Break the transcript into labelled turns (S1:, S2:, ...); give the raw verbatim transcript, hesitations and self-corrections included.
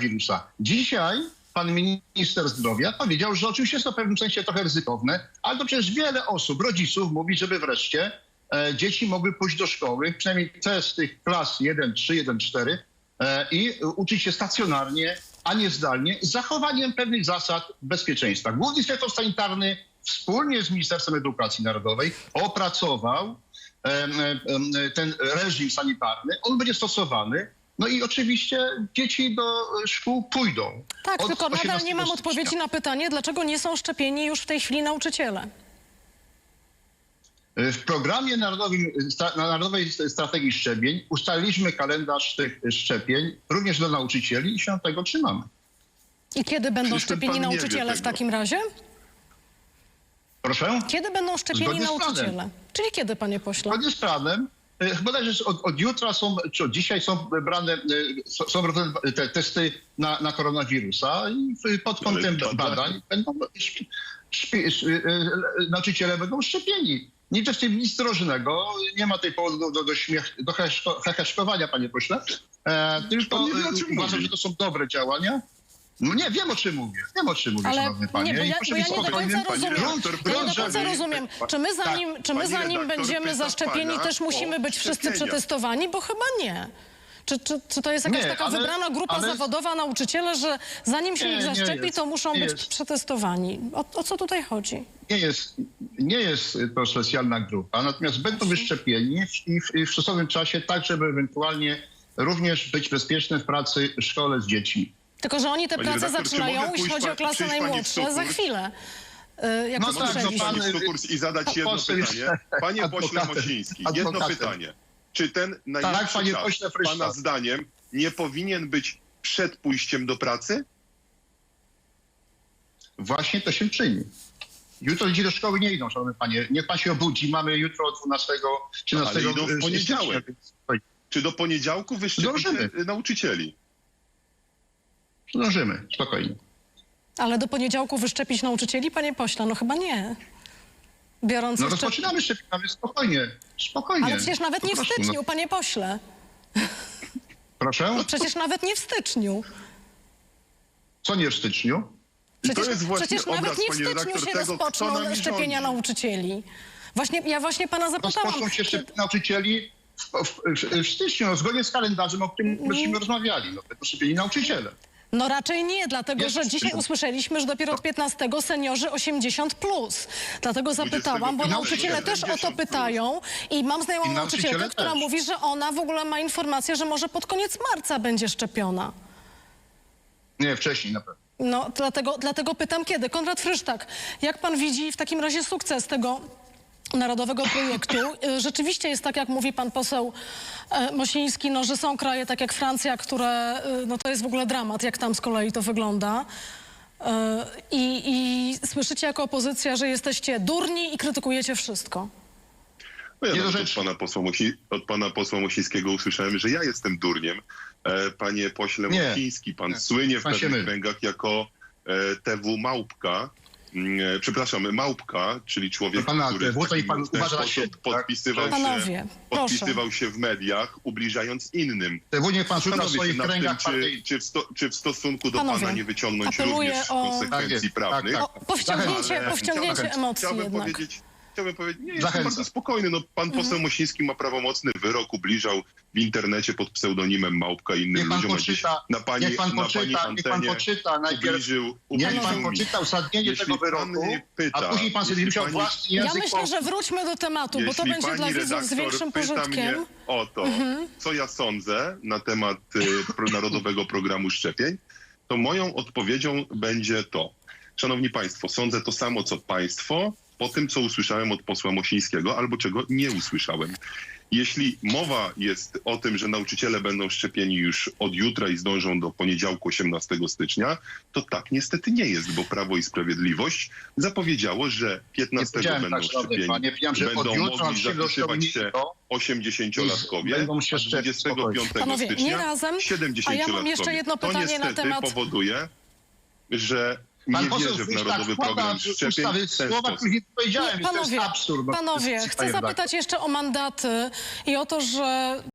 S1: koronawirusa. Dzisiaj pan minister zdrowia powiedział, że oczywiście jest to w pewnym sensie trochę ryzykowne, ale to przecież wiele osób, rodziców mówi, żeby wreszcie e, dzieci mogły pójść do szkoły, przynajmniej te z tych klas jeden trzy, jeden cztery e, i uczyć się stacjonarnie, a nie zdalnie, z zachowaniem pewnych zasad bezpieczeństwa. Główny Inspektor Sanitarny wspólnie z Ministerstwem Edukacji Narodowej opracował e, e, ten reżim sanitarny. On będzie stosowany. No i oczywiście dzieci do szkół pójdą.
S2: Tak,
S1: od
S2: tylko nadal nie mam
S1: stycznia.
S2: odpowiedzi na pytanie, dlaczego nie są szczepieni już w tej chwili nauczyciele.
S1: W programie narodowym, na Narodowej Strategii Szczepień ustaliliśmy kalendarz tych szczepień również dla nauczycieli i się tego trzymamy.
S2: I kiedy będą
S3: Przecież ten
S2: szczepieni
S3: pan nie wie
S2: nauczyciele w
S3: tego.
S2: takim razie?
S1: Proszę?
S2: Kiedy będą szczepieni
S1: Zgodnie z planem.
S2: nauczyciele? Czyli kiedy, panie pośle?
S1: Zgodnie z planem, e, chyba też od, od jutra są, czy od dzisiaj są brane, e, są, są robione te testy na, na koronawirusa i w- pod kątem
S3: Ale bada-
S1: badań będą, szpi, szpi, sz- e, e, nauczyciele będą szczepieni. Nic w tym nic drożnego, nie ma tej powodu do, do, do, śmiech, do heheszko- heheszkowania, panie pośle, e, tylko
S3: Pan nie wie, o
S1: e,
S3: czym
S1: uważam,
S3: mówi.
S1: że to są dobre działania. No nie, wiem o czym mówię, wiem o czym mówię,
S2: Ale
S1: szanowny panie.
S2: nie, bo
S1: I
S2: ja,
S1: proszę
S2: bo
S1: być
S2: ja nie do
S1: spokojnym,
S2: końca
S1: panie
S2: rozumiem.
S1: redaktor.
S2: Ja nie do
S1: Proszę,
S2: końca
S1: żeby-
S2: rozumiem. Czy my zanim, czy my
S3: Pani
S2: zanim
S3: redaktor
S2: będziemy
S3: pyta
S2: zaszczepieni,
S3: pana
S2: też musimy
S3: o
S2: być wszyscy
S3: szczepienia.
S2: przetestowani? Bo chyba nie. Czy, czy, czy to jest jakaś
S1: Nie,
S2: taka
S1: ale-
S2: wybrana grupa
S1: ale-
S2: zawodowa nauczyciele, że zanim się
S1: Nie,
S2: ich
S1: nie
S2: zaszczepi,
S1: jest,
S2: to muszą
S1: nie
S2: być
S1: jest.
S2: przetestowani? O, o co tutaj chodzi?
S1: Nie jest, nie jest to specjalna grupa, natomiast będą wyszczepieni w- i w, i w stosownym czasie, tak żeby ewentualnie również być bezpiecznym w pracy w szkole z dziećmi.
S2: Tylko, że oni te
S3: Pani
S2: prace
S3: redaktor, czy
S2: zaczynają,
S3: mogę
S2: jeśli
S3: pójść
S2: chodzi
S3: pa-
S2: o klasy
S3: przyjść pani w
S2: najmłodsze, za
S3: sukurs?
S2: chwilę. Y, Jak
S1: No
S2: to
S1: tak, no
S2: słyszeliśmy.
S1: pan-
S3: Pani Stukurs i zadać jedno
S1: Poseł jest
S3: pytanie. Panie pośle
S1: adwokatem.
S3: Mosiński, jedno
S1: Adwokatem.
S3: pytanie. Czy ten najbliższy
S1: panie
S3: czas,
S1: pośle Frysztak.
S3: pana zdaniem, nie powinien być przed pójściem do pracy?
S1: Właśnie to się czyni. Jutro dzieci do szkoły nie idą, szanowny panie. Niech pan się obudzi, mamy jutro dwunastego, trzynastego
S3: Ale idą w
S1: y,
S3: poniedziałek.
S1: stycznia.
S3: Czy do poniedziałku wyszczepicie
S1: Zdążymy.
S3: nauczycieli?
S1: Zdążymy, spokojnie.
S2: Ale do poniedziałku wyszczepić nauczycieli, panie pośle? No chyba nie. Biorąc
S1: No
S2: jeszcze...
S1: rozpoczynamy szczepienia, ale spokojnie, spokojnie.
S2: Ale przecież nawet nie w
S1: Po prostu,
S2: styczniu,
S1: no.
S2: panie pośle.
S1: Proszę?
S2: Przecież nawet nie w styczniu.
S1: Co nie w styczniu?
S3: I to
S2: Przecież,
S3: jest właśnie
S2: przecież
S3: obraz,
S2: nawet nie w
S3: pani
S2: styczniu
S3: redaktor,
S2: się
S3: tego, kto
S2: rozpoczną
S3: nami
S2: szczepienia
S3: rządzi.
S2: nauczycieli. Właśnie, ja właśnie pana zapytałam.
S1: Rozpoczną się
S2: Kiedy...
S1: szczepienia nauczycieli w, w, w, w styczniu, no, zgodnie z kalendarzem, o którym
S2: Mm.
S1: myśmy rozmawiali. No, będą szczepieni nauczyciele.
S2: No raczej nie, dlatego
S1: Jest
S2: że dzisiaj
S1: styczniu.
S2: usłyszeliśmy, że dopiero od piętnastego seniorzy osiemdziesiąt plus. Dlatego zapytałam, bo
S3: dwudziestego
S2: nauczyciele też o to
S3: pięćdziesiąt plus.
S2: pytają i mam znajomą
S1: I
S2: nauczycielkę,
S1: nauczyciele
S2: która
S1: też.
S2: mówi, że ona w ogóle ma informację, że może pod koniec marca będzie szczepiona.
S1: Nie, wcześniej na pewno.
S2: No, dlatego, dlatego pytam kiedy. Konrad Frysztak, jak pan widzi w takim razie sukces tego narodowego projektu? Y, Rzeczywiście jest tak, jak mówi pan poseł e, Mosiński, no, że są kraje tak jak Francja, które, y, no to jest w ogóle dramat, jak tam z kolei to wygląda. Y, I, I słyszycie jako opozycja, że jesteście durni i krytykujecie wszystko.
S3: No ja
S1: Nie do
S3: nawet od
S1: rzeczy.
S3: pana, posła Musi, od pana posła Mosińskiego usłyszałem, że ja jestem durniem. E, panie pośle
S1: Nie.
S3: Mosiński, pan
S1: Nie.
S3: słynie w
S1: Pan się
S3: pewnych
S1: myli.
S3: kręgach jako e, T W Małpka. Mm, e, przepraszam, Małpka, czyli człowiek,
S1: Pana
S3: który
S1: T W,
S3: w
S1: to i
S3: taki
S1: pan
S3: w ten
S1: uważa na
S3: sposób
S1: siebie, tak?
S3: podpisywał,
S2: Panowie,
S3: się,
S2: proszę.
S3: podpisywał się w mediach, ubliżając innym.
S1: Te niech pan szuka w
S3: Zastanowię
S1: swoich
S3: się nad
S1: kręgach
S3: tym, czy,
S1: partyjnych.
S3: czy, w sto, czy w stosunku do
S2: Panowie,
S3: pana nie wyciągnąć
S2: apeluję
S3: również
S2: o-
S3: konsekwencji
S1: Tak jest,
S3: prawnych.
S1: tak,
S2: O, powściągnięcie,
S3: Ale
S2: powściągnięcie
S1: chciałbym-
S2: emocji
S3: Chciałbym
S2: jednak.
S3: powiedzieć, chciałbym powiedzieć, nie, jestem
S1: Zachęcam.
S3: bardzo spokojny. No, pan poseł Mosiński ma prawomocny wyrok, ubliżał w internecie pod pseudonimem Małpka i innym
S1: Niech pan
S3: ludziom. a dziś
S1: poczyta,
S3: na pani,
S1: niech pan
S3: na pani
S1: poczyta, niech pan
S3: antenie
S1: poczyta najpierw,
S3: ubliżył,
S1: niech
S3: ubliżył
S1: pan
S3: mi.
S1: poczyta uzasadnienie
S3: Jeśli
S1: tego
S3: pan
S1: wyroku,
S3: mnie pyta,
S1: a później pan sobie
S3: jeśli
S1: musiał
S3: pani-
S1: własny
S2: Ja
S1: język
S2: myślę, że wróćmy do tematu, bo to
S3: Jeśli
S2: będzie
S3: pani
S2: dla widzów z
S3: redaktor
S2: większym
S3: pyta
S2: pożytkiem.
S3: mnie o to, co ja sądzę na temat y, pro- Narodowego Programu Szczepień, to moją odpowiedzią będzie to. Szanowni Państwo, sądzę to samo, co Państwo, po tym, co usłyszałem od posła Mosińskiego, albo czego nie usłyszałem. Jeśli mowa jest o tym, że nauczyciele będą szczepieni już od jutra i zdążą do poniedziałku osiemnastego stycznia, to tak niestety nie jest, bo Prawo i Sprawiedliwość zapowiedziało, że piętnastego
S1: powiedziałem
S3: będą
S1: tak, szanowny
S3: szczepieni,
S1: panie, powiedziałem, że od
S3: będą
S1: jutra
S3: mogli
S1: nauczyciele do szkoły
S3: zapisywać
S1: nie
S3: się
S1: idą.
S3: osiemdziesięciolatkowie,
S1: Będą się
S3: a
S1: szczepić,
S3: dwudziestego piątego
S2: Panowie,
S3: stycznia
S2: nie razem, a
S3: siedemdziesięciolatkowie.
S2: ja mam jeszcze jedno
S3: To
S2: pytanie na
S3: niestety
S2: temat...
S3: powoduje, że
S1: Pan
S3: nie
S1: poseł
S3: wierzę w
S1: Frysztak
S3: Narodowy
S1: wkłada
S3: Program
S1: w
S3: Szczepień
S1: ustawy
S3: w ten
S1: słowa,
S3: sposób.
S1: których nie powiedziałem.
S2: Nie,
S1: i to jest
S2: panowie,
S1: absurd. no, to
S2: panowie,
S1: jest
S2: chcę
S1: panie
S2: zapytać jeszcze o mandaty i o to, że